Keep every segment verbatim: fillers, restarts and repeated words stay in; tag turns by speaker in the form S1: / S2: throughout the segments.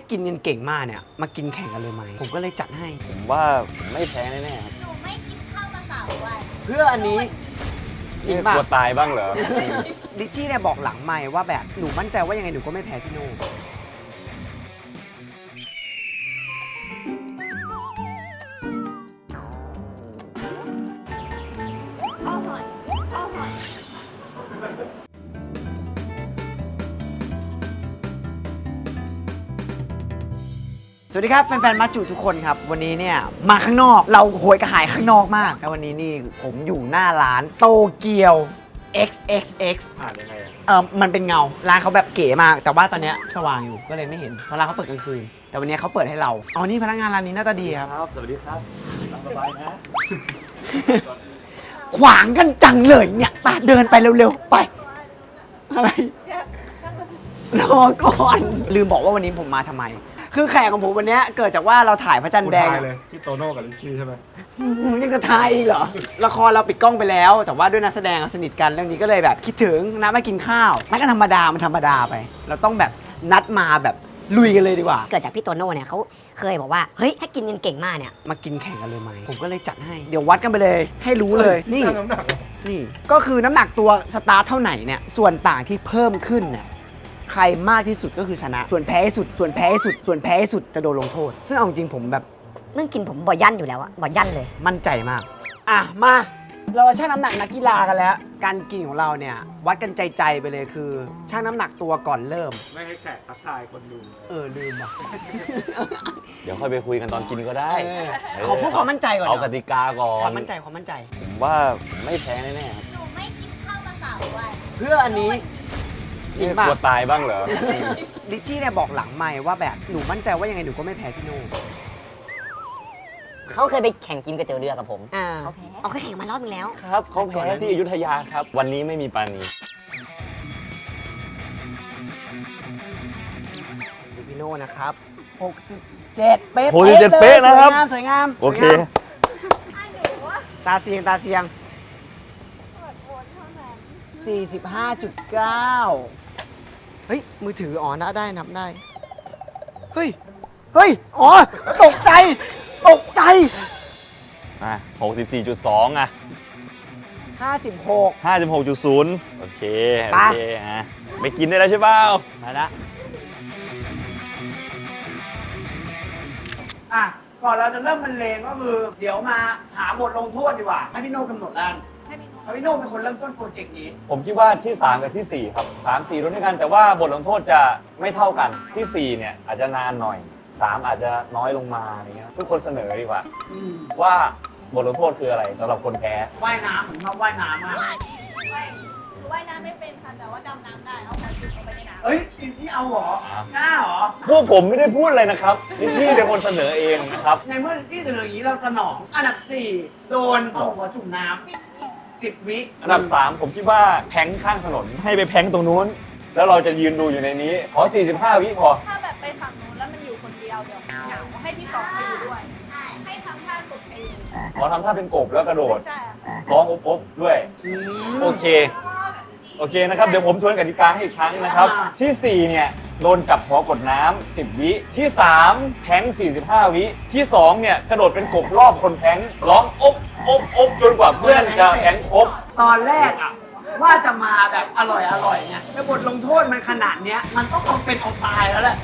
S1: กินเงินเก่งมากเนี่ยมากินแข่งกันเลยไหมผมก็เลยจัดให้
S2: ผมว่าไม่แพ้แน่ๆครับ
S3: หนูไม่กินข้าวมาสามวัน
S1: เพื่ออันนี้จริงป่ะ
S2: กลัวตายบ้างเหรอ
S1: ลิชชี่เนี่ยบอกหลังไมค์ว่าแบบหนูมั่นใจว่ายังไงหนูก็ไม่แพ้พี่โน่
S3: ข้าวหอยข้าวหอย
S1: สวัสดีครับแฟนๆมาจุทุกคนครับวันนี้เนี่ยมาข้างนอกเราโหยกระหายข้างนอกมากแล้ววันนี้นี่ผมอยู่หน้าร้านโตเกียว เอ็กซ์ เอ็กซ์ เอ็กซ์
S2: ผ่านยังไง
S1: เออมันเป็นเงาร้านเขาแบบเก๋มากแต่ว่าตอนเนี้ยสว่างอยู่ก็เลยไม่เห็นเพราะร้านเขาเปิดกลางคืนแต่วันนี้เขาเปิดให้เราอ๋อนี่พนักงานร้านนี้หน้าตาดีครับ
S2: ครับสวัสดีครับสบายนะ
S1: ขวางกันจังเลยเนี่ยไปเดินไปเร็วๆไปอะไรรอก่อนลืมบอกว่าวันนี้ผมมาทำไมคือแขกของผมวันนี้เกิดจากว่าเราถ่ายพระจันทร์แดง
S4: เลยพี่โตโน่กับลิชชี่ใช่ไหม
S1: อืมยังจะทายอีกเหรอ ละครเราปิดกล้องไปแล้ว แต่ว่าด้วยนักแสดงสนิทกันเรื่องนี้ก็เลยแบบคิดถึงนัดมากินข้าวนัดกันธรรมดามันธรรมดาไป เราต้องแบบนัดมาแบบลุยกันเลยดีกว่า
S5: เกิดจากพี่โตโน่เนี่ยเขาเคยบอกว่าเฮ้ยถ้ากินเงินเก่งมากเนี่ย
S1: มากินแข่งกันเลยไหมผมก็เลยจัดให้เดี๋ยววัดกันไปเลย ให้รู้เลยนี่
S4: ชั่งน้ำหนักเหรอ
S1: นี่ก็คือน้ำหนักตัวสตาร์ทเท่าไหร่เนี่ยส่วนต่างที่เพิ่มขึ้นเนี่ยใครมากที่สุดก็คือชนะ ส่วนแพ้ที่สุด ส่วนแพ้ที่สุด ส่วนแพ้ที่สุดจะโดนลงโทษ ซึ่งเอาจริงผมแบบ
S5: เรื่องกินผมบ่อยยั่นอยู่แล้วอะบ่อยยั่นเลย
S1: มั่นใจมาก อ่ะ มา เราชั่งน้ำหนักนักกีฬากันแล้ว การกินของเราเนี่ย วัดกันใจๆไปเลยคือชั่งน้ำหนักตัวก่อนเริ่ม
S4: ไม่ให้แขกทักทายคนดู
S1: เออ ลืมว่ะ
S2: เดี๋ยวค่อยไปคุยกันตอนกินก็ได้
S1: เออขอพูดความมั่นใจก่อน
S2: เอา
S1: เน
S2: ก
S1: อะ
S2: ติกาก่อน
S1: ความมั่นใจความมั่นใจ
S2: ผมว่าไม่แพ้แน่ๆครับ
S3: หนูไม่กินข้าวมาสามวัน
S1: เพื่ออันนี้จริงป่ะ
S2: กลัวตายบ้างเหรอ
S1: ลิชชี่เนี่ยบอกหลังไมค์ว่าแบบหนูมั่นใจว่ายังไงหนูก็ไม่แพ้พี่โน่
S6: เขาเคยไปแข่งกินก๋วยเตี๋ยวเรือกับผม
S5: อ่า
S6: เขาแพ้
S5: เอาแข่งมารอบนึงแล้ว
S2: ครับเขาแพ้ที่อยุธยาครับ วันนี้ไม่มีปานี
S1: ดูพี่โน่นะครับหกสิบเจ็ดเป๊ะ
S2: หกสิบเจ็ดเป๊ะนะครับ
S1: สวยงามสวยงาม
S2: โอเค
S1: สวยงาม
S3: ถ้าหนูว่า
S1: ตาเสียงตาเสียง
S3: เปิดโอนเท่านั้น
S1: สี่สิบห้าจุดเก้า เฮ้ย มือถืออ๋อนับได้นับได้ เฮ้ย เฮ้ย อ๋อ ตกใจ ตกใจ
S2: อ่ะหกสิบสี่จุดสองอ่ะ
S1: ห้าสิบหก
S2: ห้าสิบหกจุดศูนย์โอเค โอ
S1: ไป
S2: เคอ่ะไปกินได้แล้วใช่เปล่า
S1: มาละอ่ะ ก่อนเราจะเริ่มบรรเลงก็คือ เดี๋ยวมาหาบทลงโทษดีกว่า ให้พี่โน่กำหนดแล้ว
S3: ให้พี่หนู
S1: เพราะพี่โน่เป็นคนเริ่มต้นโปรเจกต์นี้
S2: ผมคิดว่าที่ สาม กับที่ สี่ ครับ สาม สี่รุ่นด้วยกัน แต่ว่าบทลงโทษจะไม่เท่ากันที่ สี่ เนี่ยอาจจะนานหน่อย สาม อาจจะน้อยลงมาอย่างเงี้ยทุกคนเสนอดีกว่า
S1: อืม
S2: ว่าบทลงโทษคืออะไรสำหรับคนแพ้
S1: ว่ายน้ำผมชอบว่ายน้ำมาก
S3: ว่ายหนูว่ายน้ำไม่เป็นค่ะ แต่ว่าดำน้ำได้ เอาการจุดลงไปในน้ำ
S1: เฮ้ยพี่เอาเหรอ
S2: ครับ
S1: กล้าเหรอ
S2: พวกผมไม่ได้พูดอะไรนะครับนี่พี่เป็นคนเสนอเองนะครับ
S1: ในเมื่อที่เสนออย่างนี้เราสนอง อันดับสี่โดนเอาหัวจุ่มน้
S3: สิบวิ
S1: ำสิบวิ
S2: อันดับ สาม ผมคิดว่าแพงข้างถนนให้ไปแพงตรงนู้น แล้วเราจะยืนดูอยู่ในนี้ ขอ สี่สิบห้า วิพอ
S3: ถ้าแบบไปฝั่งนู้นแล้วมันอยู่คนเดียวเดี๋ยวเหงาให้พี่สองไปอยู่ด้วย ให้ทำท่าสุดเอง
S2: ขอทำท่าเป็นกบแล้วกระโดด
S3: ใช่ค่ะ
S2: ร้องอบอบๆด้วย โอเค โอเคนะครับ เดี๋ยวผมทวนกติกาให้อีกครั้งนะครับ ที่ สี่ เนี่ย โดนจับหัวกดน้ำสิบ วิ ที่ สาม แพงสี่สิบห้า วิ ที่ สอง เนี่ย กระโดดเป็นกบรอบคนแพงร้องอบอบอบจนกว่าเพื่อนจะแพงครบ
S1: ตอนแรกอะว่าจะมาแบบอร่อยอร่อยไงแต่บทลงโทษมันขนาดเนี้ย มันต้องเอาเป็นเอาตายแล้วแหละ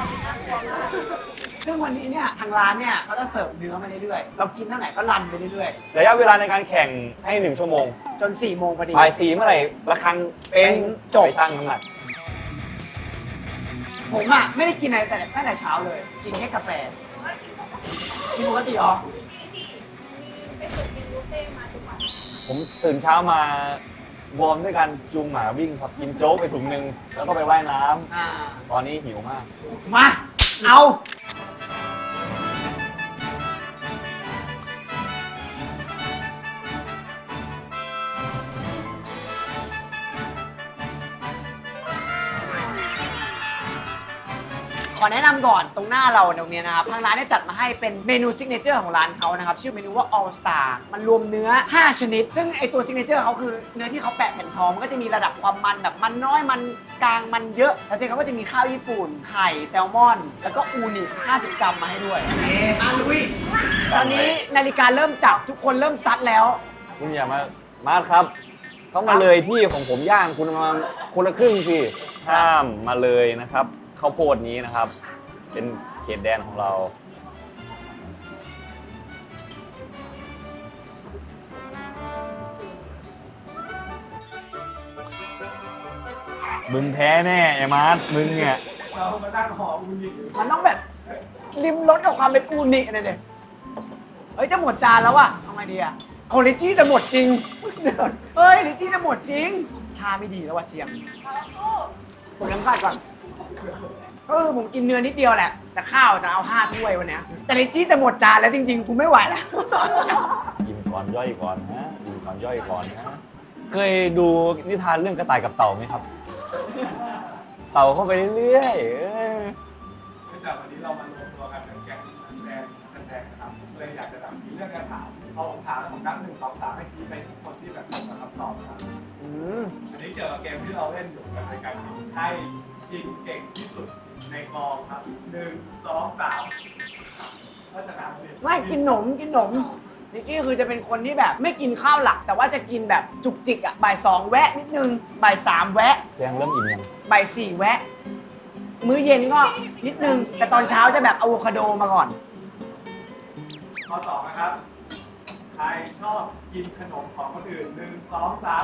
S1: ซึ่งวันนี้เนี่ยทางร้านเนี่ยเขาจะเสิร์ฟเนื้อมาเรื่อยๆ เรากินเท่าไหร่ก็รันไปเรื่อย
S2: ระยะเวลาในการแข่งให้หนึ่งชั่วโมง
S1: ๆ จนสี่โมงพอดี
S2: บ่ายสี่เมื่อไหร่ระฆังเป็น
S1: จบ
S2: ไปชั่งน้ำหนัก
S1: ผมอะไม่ได้กินอะไรแต่ตั้งแต่เช้าเลย กินแค่กาแฟ กินปกติเหรอ
S3: ที่ที่มีไปฝึกกินบุฟเฟ่ต์มาทุกวัน
S2: ผมตื่นเช้ามาวอร์มด้วยกันจูงหมาวิ่งครับกินโจ๊กไปถุงหนึ่งแล้วก็ไปว่ายน้ำ
S1: อ่า
S2: ตอนนี้หิวมาก
S1: มา เอาขออแนะนำก่อนตรงหน้าเราตรงนี้นะครับทางร้านได้จัดมาให้เป็นเมนูซิกเนเจอร์ของร้านเขานะครับชื่อเมนูว่า All Star มันรวมเนื้อห้าชนิดซึ่งไอตัวซิกเนเจอร์เขาคือเนื้อที่เขาแปะแผ่นทองมันก็จะมีระดับความมันแบบมันน้อยมันกลางมันเยอะแล้วเสร็จเขาก็จะมีข้าวญี่ปุ่นไข่แซลมอนแล้วก็อูนิห้าสิบกรัมมาให้ด้วยเออาลุยตอนนี้นาฬิกาเริ่มจับทุกคนเริ่มซัดแล้ว
S2: คุณอย่ามามาร์ทครับเขามาเลยที่ของผมย่างคุณมาคนละครึ่งสิห้ามมาเลยนะครับข้าวโพดนี้นะครับ เป็นเขตแดนของเรามึงแพ้แน่ไอ้มาร์ทมึงเนี่ย
S4: เรามานั่งหอมคุณหญิงอยู่
S1: มันต้องแบบริมรสกับความเป็นอูนิอะไรเนี่ยเฮ้ยจะหมดจานแล้วอะเอาไงดีอะโอลิจี้จะหมดจริงเฮ้ยลิจี้จะหมดจริงชาไม่ดีแล้วว่ะเชียงผมน้ำขาดก่อนเออผมกินเนื้อนิดเดียวแหละแต่ข้าวจะเอาห้าถ้วยวันเนี้ยแต่ลิจี้จะหมดจานแล้วจริงๆกูไม่ไหวแล้ว
S2: กินก่อนย่อยก่อนนะกินก่อนย่อยก่อนนะเคยดูนิทานเรื่องกระต่ายกับเต่าไหมครับ เต่าเข้าไปเรื่อยๆเออ
S4: เนื่องจากวันนี้เรามารวมตัวกันเป็นแก๊งแดงแดงนะครับเลยอยากจะแบบมีเรื่องการถามเอาผมถามแล้วผมนับหนึ่งสองสามให้ชี้ไปทุกคนที่แบบตรงกับคำตอบครับ
S1: อืม
S4: อันนี้เกี่ยวกับเกมที่เราเล่นอยู่กับรายการทีมให้ยิงเก่งที่สุดในกองครับหนึ่งสองสามก็ชนะเลย
S1: ไม่กินหนมกินหนมลิจี้คือจะเป็นคนที่แบบไม่กินข้าวหลัก แต่ว่าจะกินแบบจุกจิกอะบ่ายสองแวะนิดนึงบ่ายสามแวะ
S2: เสียงเริ่มอิ่มยัง
S1: บ่ายสี่แวะ มื้อเย็นก็นิดนึง แต่ตอนเช้าจะแบบอะโวคาโดมาก่อน
S4: ข้อสองนะครับใครชอบกินขนมของคนอื่นหนึ่งสองสาม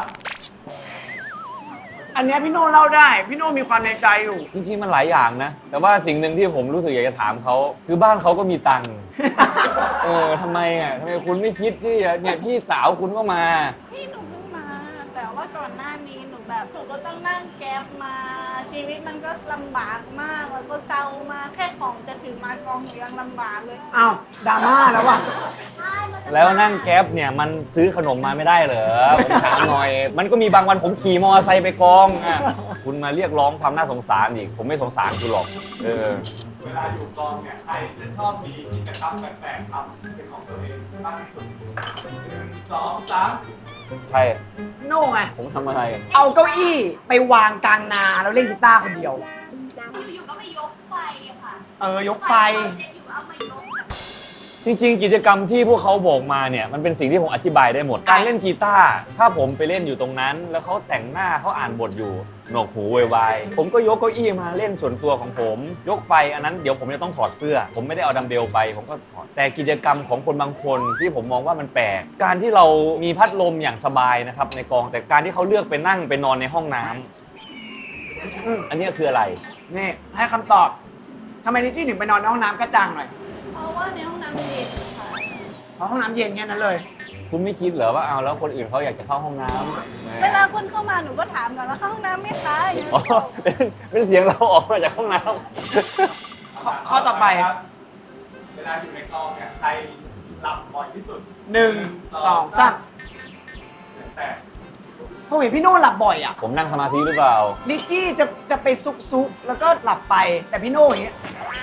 S1: อันเนี้ยพี่โน่เล่าได้ พี่โน่มีความในใจอยู่
S2: จริงๆมันหลายอย่างนะ แต่ว่าสิ่งหนึ่งที่ผมรู้สึกอยากจะถามเขาคือบ้านเขาก็มีตังค์ เออทำไมอ่ะทำไมคุณไม่คิดที่จะเนี่ยพี่สาวคุณก็มา
S3: พี่หนูเพิ่งมา แต่ว่าก่อนหน้านี้หนูแบบหนูก็ต้องนั่งแก๊ปมา ชีวิตมันก็ลำบากมากแล้วก็เศร้ามากแค่ของจะถือมากองหนูยังลำบากเลย
S1: อ้าวดราม่าแล้วว่ะ
S2: แล้วนั่งแก๊ปเนี่ยมันซื้อขนมมาไม่ได้เหรอผมถามหน่อย มันก็มีบางวันผมขี่มอเตอร์ไซค์ไปกองอ่ะคุณมาเรียกร้องความน่าสงสารอีกผมไม่สงสารคุณหรอกเออ
S4: เวลาอยู่กองเนี่ยใครจะชอบมีกิจกรรมแปลกๆทำเป็นของตัวเองมากที่สุดหนึ่งสองสาม
S2: ใช่
S1: พี่โน่ไง
S2: ผมทำอะไร
S1: เอาเก้าอี้ไปวางกลางนาแล้วเล่นกีตาร์คนเดียว
S7: อยู่ๆก็ไปยกไฟอะค่ะ
S1: เออยกไฟ
S7: เสร็จอยู่เอามายกแบบ
S2: จริงๆ กิจกรรมที่พวกเขาบอกมาเนี่ยมันเป็นสิ่งที่ผมอธิบายได้หมด การเล่นกีตาร์ถ้าผมไปเล่นอยู่ตรงนั้น แล้วเขาแต่งหน้าเขาอ่านบทอยู่หนวกหูวายๆผมก็ยกเก้าอี้มาเล่นส่วนตัวของผม ยกไฟอันนั้นเดี๋ยวผมจะต้องถอดเสื้อ ผมไม่ได้เอาดัมเบลไปผมก็ถอดแต่กิจกรรมของคนบางคนที่ผมมองว่ามันแปลกการที่เรามีพัดลมอย่างสบายนะครับในกองแต่การที่เขาเลือกไปนั่งไปนอนในห้องน้ำ
S1: อืม
S2: อันเนี้ยคืออะไร
S1: นี่ให้คำตอบทำไมลิจี้ถึงไปนอนในห้องน้ำกระจังหน่อย
S3: เพราะว่าในห้องน้ำมันเย็นค่ะ
S1: เพราะห้องน้ำเย็นแค่นั้นเลย
S2: คุณไม่คิดเหรอว่าเอาแล้วคนอื่นเขาอยากจะเข้าห้องน้ำแหม
S3: เวลาคนเข้ามาหนูก็ถามก่อนว่าเข้าห้องน้ำไหมคะอย่าง
S2: อ๋อ
S3: เงี้ย
S2: เป็นเป็นเสียงเราออกมาจากห้องน้ำ
S1: ข้อข้อต่อไป
S4: ครับเวลาอยู่ในกองเนี่ยใครหลับบ่อยที่สุด
S1: หนึ่งสองสาม
S4: แต่
S1: ผมเห็นพี่โน่หลับบ่อยอ่ะ
S2: ผมนั่งสมาธิหรือเปล่า
S1: ลิจี้จะจะไปซุกซุกๆแล้วก็หลับไป แต่พี่โน่อย่างเงี้ย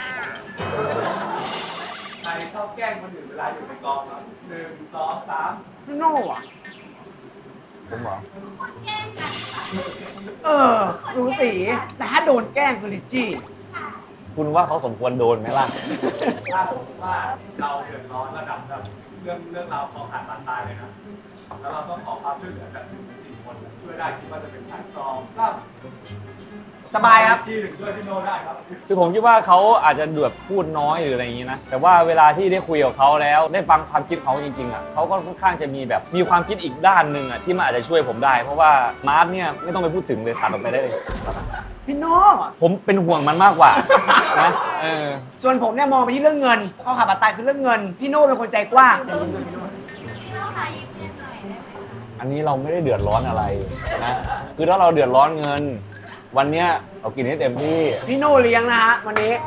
S4: ใครชอบแกล้งคนอื่นเวลาอยู่ในกองครับหนึ่งสองสาม
S1: พี่โน่อ่ะ
S2: ผมบอก
S7: คนแกล้งกันค่ะ
S1: เออรู้สีแต่ถ้าโดนแกล้งคือลิจี้
S2: คุณว่าเขาสมควรโดนไหมล่ะ
S4: ถ้าสมมติว่าเราเดือดร้อนระดับแบบเรื่องเรื่องราวของขาดบาดตายเลยนะแล้วเราต้องขอความช่วยเหลือจากหนึ่งในสี่คนช่วยได้คิดว่าจะเป็นการกองทราบ
S1: สบายครับ
S4: ที่หนึ่งช่วยพี่โนได้ครับ
S2: คือผมคิดว่าเขาอาจจะแบบพูดน้อยหรืออะไรอย่างนี้นะ แต่ว่าเวลาที่ได้คุยกับเขาแล้วได้ฟังความคิดเขาจริงๆอ่ะเขาก็ค่อนข้างจะมีแบบมีความคิดอีกด้านหนึ่งอ่ะที่มันอาจจะช่วยผมได้ เพราะว่ามาร์ทเนี่ยไม่ต้องไปพูดถึงเลยตัดออกไปได้เลย
S1: พี่โน่
S2: ผมเป็นห่วงมันมากกว่านะเออ
S1: ส่วนผมเนี่ยมองไปที่เรื่องเงินข้อขาดบาดตายคือเรื่องเงิน พี่โน่เป็นคนใจกว้างแต่ลืมเงินพี่โน่
S7: พี่เราหายิ้มเรียนหน่อยได้ไหมคะ
S2: อันนี้เราไม่ได้เดือดร้อนอะไรนะคือถ้าเราเดือดร้อนเงิน วันเนี้ยเรากินให้เต็มที่
S1: พี่โน่เลี้ยงนะฮะวันนี้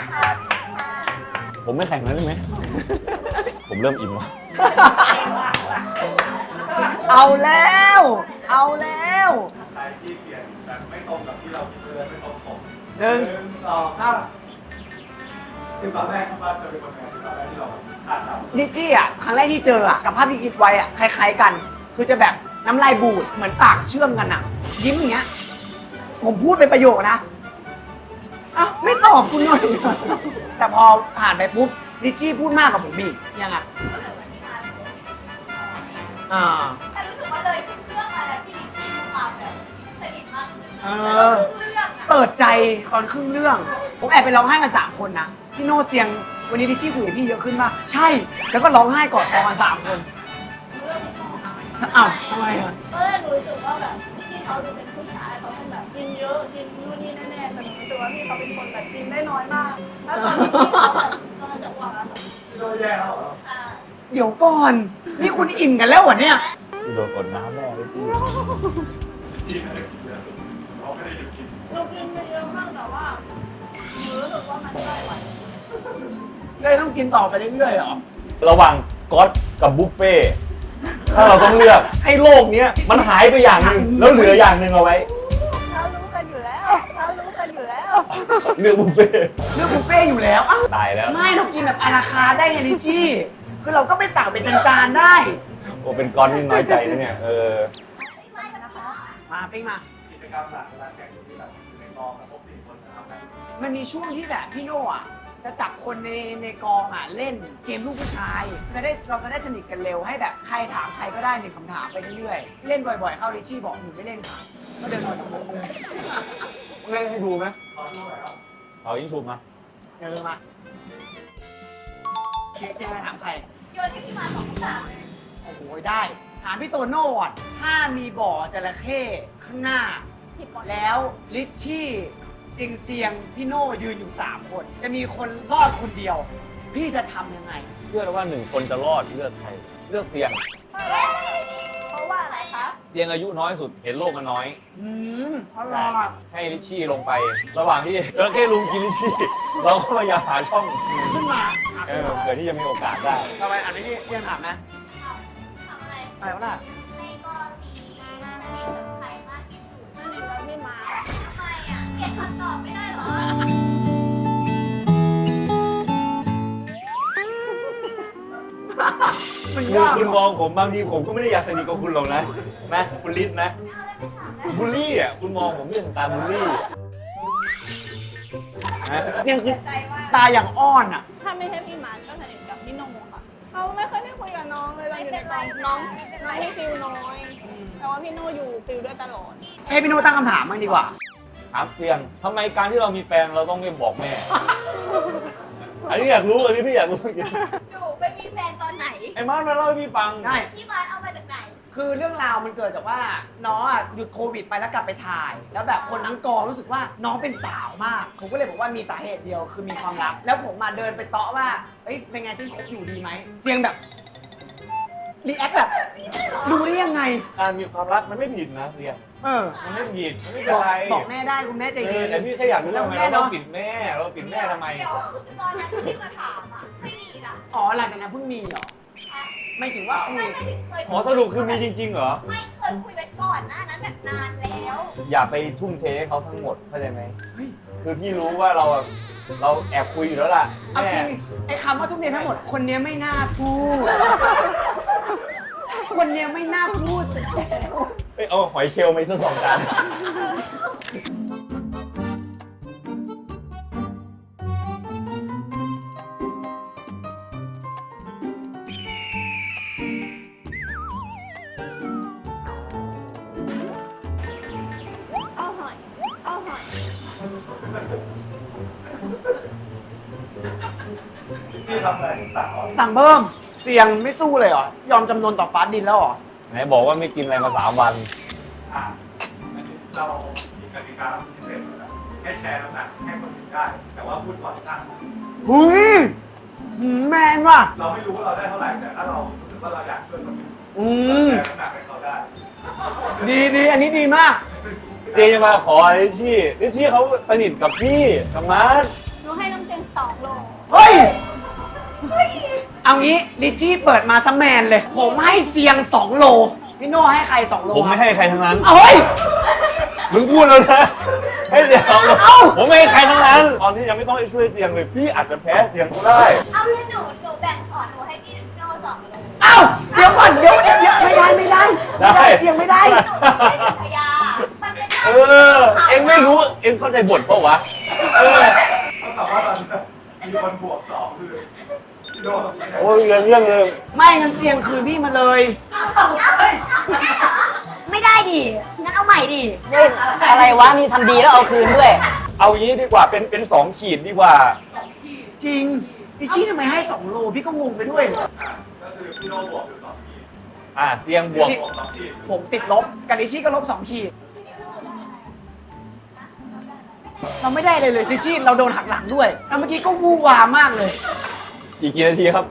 S2: ผมไม่แข่งนั้นได้ไหม ผมเริ่มอิ่มแล้ว
S1: เอาแล้ว เอาแล้ว
S4: ใครที่เปลี่ยนแบบไม่ตรงกับที่เราคิดเลยไม่ตรงปก
S1: หนึ่ง
S4: สองสามคือตอนแรกคิดว่าจะเป็นคนไงตอนแรกที่เราขาดจับ
S1: ดิจี้อ่ะครั้งแรกที่เจออ่ะกับภาพที่คิดไว้อ่ะคล้ายๆกัน คือจะแบบน้ำลายบูดเหมือนปากเชื่อมกันอ่ะ ยิ้มอย่างเงี้ย ผมพูดเป็นประโยคนะอ้าวไม่ตอบคุณหน่อยแต่พอผ่านไปปุ๊บดิจี้พูดมากกว่าผมอีกยังไง
S7: ก็เลยวันที่มาเลย
S1: อ่า
S7: แต่รู้สึกว่าเลยขึ้นเครื่องมาแล้วพี่ลิชชี่มีความแบบสนิทมากขึ้น
S1: เอ
S7: แล้
S1: อ
S7: วก็คือเรื่องอะ
S1: เปิดใจตอนครึ่งเรื่อง ผมแอบไปร้องไห้กันสามคนนะพี่โน่เสียงวันนี้ดิชี่คุยกับพี่เยอะขึ้นป่ะใช่ แล้วก็ร้องไห้กอดคอกันสามคนอ้าวทำไมอ่ะ
S3: ตอนแรกหนูรู้สึกว่าแบบที่เขาดูเป็นผู้ชายเขาเป็นแบบกินเยอะกินนู่นนี่แน่ๆแต่หนูรู้สึกว่าพี่เขาเป็นคนแบบกินได้น้อยมาก แล้วตอนที่พี่เขาแบบกำลังจะอ้วกอะค่ะ
S4: โดนแย่แล้วเหรอ
S7: อ่า
S1: เดี๋ยวก่อน นี่คุณอิ่มกันแล้วเหรอเนี่ย
S2: โดนกดน้ำแน่เลยพี่
S4: ที่ไม่ได้กินเยอะเราไม่ได้หยุดกิน
S3: หนูกินไปเยอะมากแต่ว่าหนูรู้สึกว่ามันไม่ไหว
S1: เลยต้องกินต่อไปเรื่อยๆเหรอ
S2: ระหว่างก๊อตกับบุฟเฟ่ต์ถ้าเราต้องเลือกให้โลกเนี้ยมันหายไปอย่างหนึ่งแล้วเหลืออย่างหนึ่งเอาไว้
S3: เรารู้กันอยู่แล้วเรารู้กันอยู่แล้ว
S2: เลือกบุฟเฟ่ต์
S1: เรื่องบุฟเฟ่ต์อยู่แล้วอ้าว
S2: ตายแล้ว
S1: ไม่เรากินแบบอาราคาร์ทได้ไงลิชี่ คือเราก็ไปสั่งเป็นจานๆได้
S2: โอ้เป็นก้อนนี่น้อยใจนะเนี่ยเออ
S1: มาปิ้งมา
S4: กิจกรรมหลักเวลาแข่งที่แบบในกองกับพวกสี่คนนะครับ
S1: มันมีช่วงที่แบบพี่โน่อะจะจับคนในในกองอ่ะเล่นเกมลูกผู้ชายจะได้เราจะได้สนิทกันเร็วให้แบบใครถามใครก็ได้หนึ่งคำถามไปเรื่อยๆ เล่นบ่อยๆ เข้าลิชี่บอกหนูไม่เล่นค่ะ ก็เดินออกจากวงเลย
S2: เล่นให้ดูไหม
S4: ขอด้วยครับ
S2: เอายิงชุบมา
S1: เดินมาเซียงเซียงไปถามใคร
S7: โยนให้พี่มาสองคำถามเลย
S1: โอ้โหได้ ถามพี่โตโน่ก่อนถ้ามีบ่อจระเข้ข้างหน้า แล้วลิชชี่เซียงเซียงพี่โน่ยืนอยู่ 3 คน จะมีคนรอดคนเดียว พี่จะทำยังไง
S2: เลือกว่าหนึ่งคนจะรอดเลือกใครเลือกเสียง
S3: เพราะว่าอะไรคะ
S2: เสียงอายุน้อยสุดเห็นโลกมันน้อย
S1: อืมอร่อย
S2: ให้ลิชชี่ลงไป ระหว่างที่เจอแค่ลุงกินลิชชี่เราก็พยายามหาช่อง
S1: ขึ้นมา
S2: เออเผื่อที่จะมีโอกาสได้
S1: ทำไมอันนี้พี่เรียนถามนะ
S7: ทำอะไร
S1: อะไรวะล่ะ
S7: ในกรณีสนิทกับใครมากที่สุด
S3: นั่นเองเราไม่มา
S7: ทำไมอ่ะเก็บคำตอบไม่ได้เหรอ
S1: มัน
S2: คือย
S1: าก
S2: คุณมองผมบางทีผมก็ไม่ได้อยากสนิทกับคุณหรอกนะนะคุณลิศนะ
S7: เอาอะไรไปถามนะ
S2: บูลลี่อ่ะคุณมองผมเป็นตาบูลลี่นะ
S1: เนี่ยคือ
S7: ใจว่า
S1: ตาอย่างอ้อนอ่ะ
S3: ถ้าไม่ใช่พี่มาร์คก็สนิทกับพี่โนค่ะเขาไม่เคยได้คุยกับน้องเลยตอนอยู่ในกองน้องน้องที่ฟิลน้อย แต่ว่าพี่โนอยู่ฟิลด้วยตลอด
S1: ให้พี่โน้ตั้งคำถามบ้างดีกว่า
S2: ถามเพียงทำไมการที่เรามีแฟนเราต้องไม่บอกแม่ อันนี้อยากรู้อันนี้พี่อยากรู้จริง
S7: หนูไปมีแฟนตอนไหน
S2: ไอ้มาร์ทมาเล่าให้พี่ฟัง
S1: ได้
S7: พี่มาร์คเอามาจากไหน
S1: คือเรื่องราวมันเกิดจากว่าน้องอ่ะหยุดโควิดไปแล้วกลับไปถ่าย แล้วแบบคนทั้งกองรู้สึกว่าน้องเป็นสาวมาก ผมก็เลยบอกว่ามีสาเหตุเดียวคือมีความรัก แล้วผมมาเดินไปเตาะว่าเอ้ยเป็นไงที่คบอยู่ดีไหมเสียงแบบรีแอคแบบรู้ได้ยังไง
S2: การมีความรักมันไม่ผิดนะเรียน
S1: เออ
S2: มันไม่ผิดมันไม่เป็
S1: บ
S2: น
S1: อก
S2: ไร
S1: บอกแม่ได้คุณแม่ใจ
S2: เอ
S1: ดี
S2: อแต่พี่แค่อยากรู้ว่าทำไมเราต้องปิดแม่ เราปิดแม่ทำไม
S7: เดี๋ยวตอนนั้นที่มาถามอ่ะ ไม่มีนะ
S1: อ๋อหลังจากนั้นเพิ่งมีเหรอไม่ถึงว่าคุ
S7: ไม่
S1: ย
S7: ไม่ถึงเคย
S2: อ๋อสรุปคือมีจริงๆเหรอ
S7: ไม่เคยคุยไว้ก่อนหน้านั้นแบบนานแล้ว
S2: อย่าไปทุ่มเทให้เขาทั้งหมดเข้าใจไหม
S1: เฮ้ย
S2: คือพี่รู้ว่าเราอะเราแอบคุยอยู่แล้วล่ะ
S1: เอาจริง
S2: แม่
S1: ไอ้คำว่าทุกเนียทั้งหมดคนเนี้ยไม่น่าพูด คนเนี้ยไม่น่าพูดสุดแล้ว
S2: เอ้ยเอาหอยเชลล์มาอีกสักสองจาน
S3: เอาหอย เอาหอย
S4: ที่ทำอะไรถึงสั่งเหรอ
S1: สั่งเพิ่มเสียงไม่สู้เลยเหรอ ยอมจำนนต่อฟ้าดินแล้วเหรอ
S2: ไหนบอกว่าไม่กินอะไรมาสามวัน
S4: อ่ะอันนี้เรามีกติกาพิเศษอยู่แล้วแค่แชร์น้ำหนักให้คนอื่นได้ แต่ว่าพูดก่อนช่าง
S1: หุยหืมแมนว่ะ
S4: เราไม่รู้ว่าเราได้เท่าไหร่ แต่ถ้าเรารู้สึกว่าเราอยากช่วยคนอื่น
S1: อืม
S4: แชร์น้ำหนักให้เขาได้
S1: ดีดีอันนี้ดีมาก
S2: เจจะมาขอลิชชี่ลิชชี่เขาสนิทกับพี่กับมาร์ท
S3: หนูให้น้ำเตียงสองโล
S1: เฮ้ย เอางี้ลิชชี่เปิดมาซัมแมนเลย ผมให้เสียง 2 โล พี่โน่ให้ใคร 2 โล
S2: ผมไม่ให้ใครทั้งนั้น
S1: เอาเฮ้ย
S2: มึงพูดแล้วนะให้เสียงผมไม่ให้ใครทั้งนั้น ตอนนี้ยังไม่ต้องให้ช่วยเสียงเลย พี่อาจจะแพ้เสียงก็ได้
S7: เอาเลยหนูหนูแบ่งขอหนูให้พี่โน่สองเลย
S1: เอ้าเดี๋ยวก่อนเดี๋ยวเดี๋ยวเดี๋ยวไม่ได้ไม่ได้ไม่ได้เสียงไม่ได้
S7: หนูไม่ใช่สัพยามันเป็น
S2: เออ เอ็งไม่รู้ เอ็งเข้าใจบทเปล่าวะ เออ
S4: แต่ว่าตอนนี้มีคนบวกสองคือพี่โน่กับพี่แดง
S2: โอ้ยเรื่องเรื่องเลย
S1: ไม่งั้นเสียงคืนพี่มาเลย
S5: ไม่ได้ดิ งั้นเอาใหม่ดิ
S6: อะไรวะ นี่ทำดีแล้วเอาคืนด้วย
S2: เอางี้ดีกว่า เป็นเป็นสองขีดดีกว่า
S1: จริงดิชี่ทำไมให้สองโลพี่ก็งงไปด้วย
S4: ก็คือพี่โน่บวกอยู่สองขีด
S2: อ่ะเสียงบวก
S1: สิ
S4: บวกสองขีด
S1: ผมติดลบกับดิชี่ก็ลบสองขีด เราไม่ได้เลยเลยดิชี่เราโดนหักหลังด้วยแล้วเมื่อกี้ก็วูวามากเลย
S2: อีกกี่นาทีครับ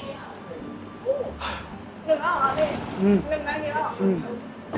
S3: หนึ่งแล้วเหรอพี่
S1: อืม
S3: หนึ่งนาทีแล้วเหรอ
S1: อืม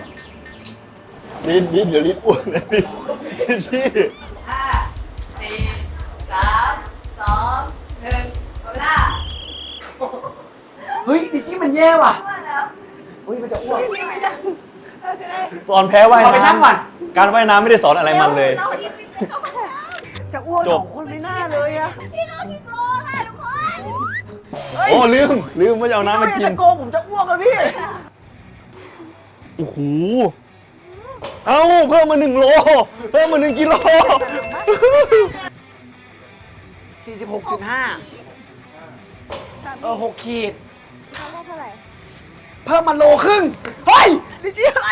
S2: ลิ้นลิ้นเดี๋ยวลิ้นอ้วนนะลิ้นชี้
S5: ห้า สี่ สาม สอง หนึ่งหมดเวลา
S1: เฮ้ยดิชี่มันแย่ว่ะ
S3: ว่าแล้ว
S1: เฮ้ยมันจะอ้วก
S3: พี่ไม่ใช่เราจะได้
S2: ตอนแพ้ว่าย
S1: เอาไปช่างก่อน
S2: น้ำการว่ายน้ำไม่ได้สอนอะไรมันเลย
S7: เราที่พี่เข้ามาแล้ว
S1: จะอ้วก
S2: จ
S1: ส
S2: บ
S1: องคนไม่น่าเลยอะ
S7: พี่โน่ที่โกงอ่ะทุกคน
S2: โอ้ลืมลืมว่าจะเอาน้ำมากิน
S1: จะโกงผมจะอ้วกอะพี่
S2: โอ้โห เอ้าเพิ่มมาหนึ่งโล เพิ่มมาหนึ่งกิโล
S1: สี่สิบหกจุดห้า เออหกขีด
S3: เขาได้เท่าไหร่
S1: เพิ่มมาโลครึ่ง เฮ้ยดิจี้อะไร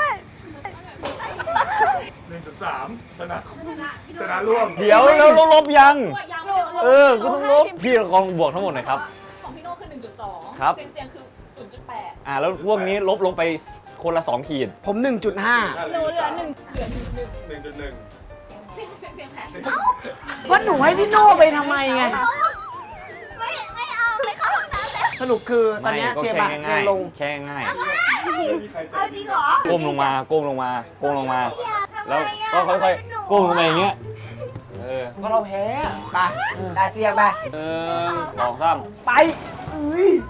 S4: หนึ่งจุดสามชนะชนะร่วม
S2: เดี๋ยวแล้วลบยัง
S3: ยัง
S2: เออ ก็ต้องลบ พี่ลองบวกทั้งหมดหน่อยครับ
S8: ของพี่โน่คือ หนึ่งจุดสอง
S2: ครับ
S8: เซียงเซียงคือ ศูนย์จุดแปด
S2: อ่าแล้วพวกนี้ลบลงไปคนละสองขีด
S1: ผม หนึ่งจุดห้า
S3: หนูเหลือหนึ่ง
S8: เหลือหนึ่งหนึ่ง
S4: หนึ่งจุดหนึ่ง
S8: เซียงเซียงเซียงแพ้
S1: ว่าหนูให้พี่โน่ไปทำไมไง
S7: ไม่ไม่เอาไม่เข้าห้องน้ำแล้ว
S1: สรุปคือตอน
S2: ไม่
S1: เนี้ย
S2: ก็
S1: เสีย
S2: แค่
S1: บะเสี
S2: ง่าย ย
S1: ลง
S2: ๆแค่ง่าย
S4: ไม่มีใคร
S7: เอาจริงเหรอ
S2: ก้มลงมา ก้มลงมา ก้มลงมา
S7: ทำไม
S2: แล้ว
S7: อ่ะ
S2: ก็ค่อยๆ ก้มลงมาอย่างเงี้ย เออ
S1: ก็เราแพ้ไปได้เสียงไป
S2: หนึ่งสองสาม
S1: ไปเอ้ย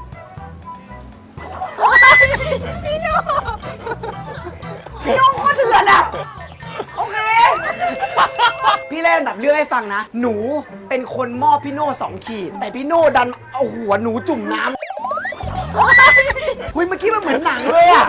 S1: พี่โน่พี่โน่โคตรเถื่อนอ่ะ โอเค พี่เล่นแบบเรื่องให้ฟังนะ หนูเป็นคนมอบพี่โน่สองขีด แต่พี่โน่ดันเอาหัวหนูจุ่มน้ำคุยเมื่อกี้มันเหมือนหนังเลยอ่ะ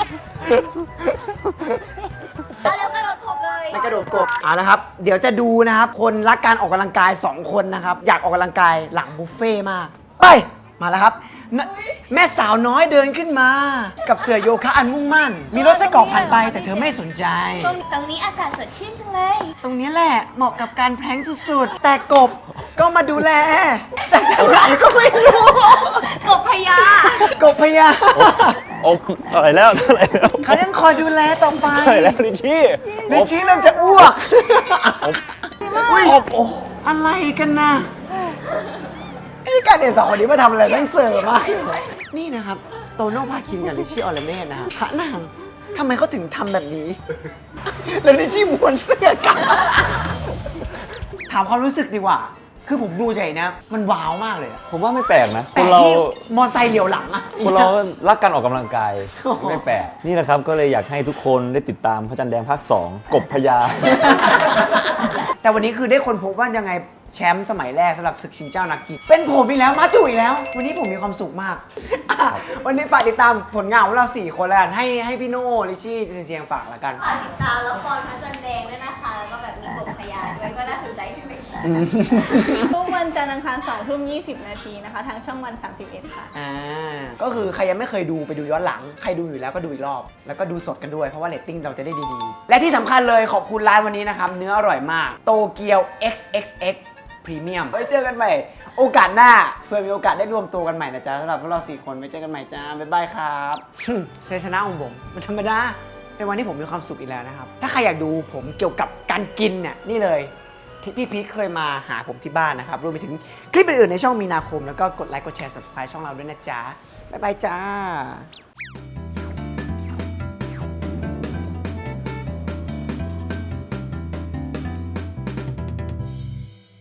S7: เอาแล้วกระโดดขบเลย
S1: ไม่กระโดดกบเอาละครับ เดี๋ยวจะดูนะครับ คนรักการออกกำลังกายสองคนนะครับ อยากออกกำลังกายหลังบุฟเฟ่ต์มาก ไป มาแล้วครับนะแม่สาวน้อยเดินขึ้นมา กับเสื้อโยคะอันมุ่งมั่น มีรถไส้กรอกผ่านไปแต่เธอไม่สนใจ
S7: ตรงนี้อากาศสดชื่นจังเลย ต
S1: ตรงนี้แหละเหมาะกับการแพลงสุดๆ แต่กบก็มาดูแลจากทางไหนก็ไม่รู้
S7: กบพญาก
S1: บพญา
S2: โอ้เท่าไหร่แล้วเท่าไหร่แล้ว
S1: เขายังคอยดูแลต่อไป
S2: เท่าไหร่แล้วลิชี่
S1: ลิชี่เริ่มจะอ้วกอุ้ย
S2: โอ้โอ้
S1: อะไรกันนะไอ้การเด็นสองคนนี้มาทำอะไรแม่งเสริมมากนี่นะครับ โตโน่พาคินกับลิชี่ออลเม่นะครับพระนางทำไมเขาถึงทำแบบนี้ แล้วลิชี่ม้วนเสื้อกลับถามความรู้สึกดีกว่า คือผมดูใจนะ มันว้าวมากเลยอะ
S2: ผมว่าไม่แปลกนะ ค
S1: แต่
S2: นเรา
S1: ที่มอไซค์เหลียวหลังอะ
S2: คนเรารักการออกกำลังกาย
S1: โอ้โห
S2: ไม่แปลก นี่นะครับก็เลยอยากให้ทุกคนได้ติดตามพระจันทร์แดงภาคสองกบพญา
S1: แต่วันนี้คือได้คนพบว่ายังไงแชมป์สมัยแรกสำหรับศึกชิงเจ้านักกีฬาเป็นผมอีกแล้วมาจุ๋ยแล้ว วันนี้ผมมีความสุขมากอ่ะวันนี้ฝากติดตามผลงานของเราสี่คนแล้วกันให้ให้พี่โน่ลิชชี่เซียงฝากแล้วกัน
S7: ฝากติดตามละครพระจันทร์แดงด้วยนะคะ แล้วก็แบบมีกบพญาด้วยก็น่าสนใจที่ไม่ใช่
S3: ทุกวันจันทร์อังคารสองทุ่มยี่สิบนาทีนะคะ ทางช่องวันสามสิบเอ็ดค่ะ
S1: อ่าก็คือใครยังไม่เคยดูไปดูย้อนหลัง ใครดูอยู่แล้วก็ดูอีกรอบ แล้วก็ดูสดกันด้วยเพราะว่าเรตติ้งเราจะได้ดีๆ และที่สำคัญเลยขอบคุณร้านวันนี้นะครับ เนื้ออร่อยมากโตเกียว เอ็กซ์ เอ็กซ์ เอ็กซ์ พรีเมียมไว้เจอกันใหม่ โอกาสหน้าเพื่อมีโอกาสได้รวมตัวกันใหม่นะจ๊ะสำหรับพวกเราสี่คนไว้เจอกันใหม่จ้าบ๊ายบายครับชัยชนะของผมมันธรรมดาเป็นวันที่ผมมีความสุขอีกแล้วนะครับ ถ้าใครอยากดูผมเกี่ยวกับการกินเนี่ยนี่เลย ที่พี่พีทเคยมาหาผมที่บ้านนะครับ รวมไปถึงคลิปอื่นๆในช่องมีนาคม แล้วก็กดไลค์กดแชร์ subscribe ช่องเราด้วยนะจ๊ะ บ๊ายบายจ้า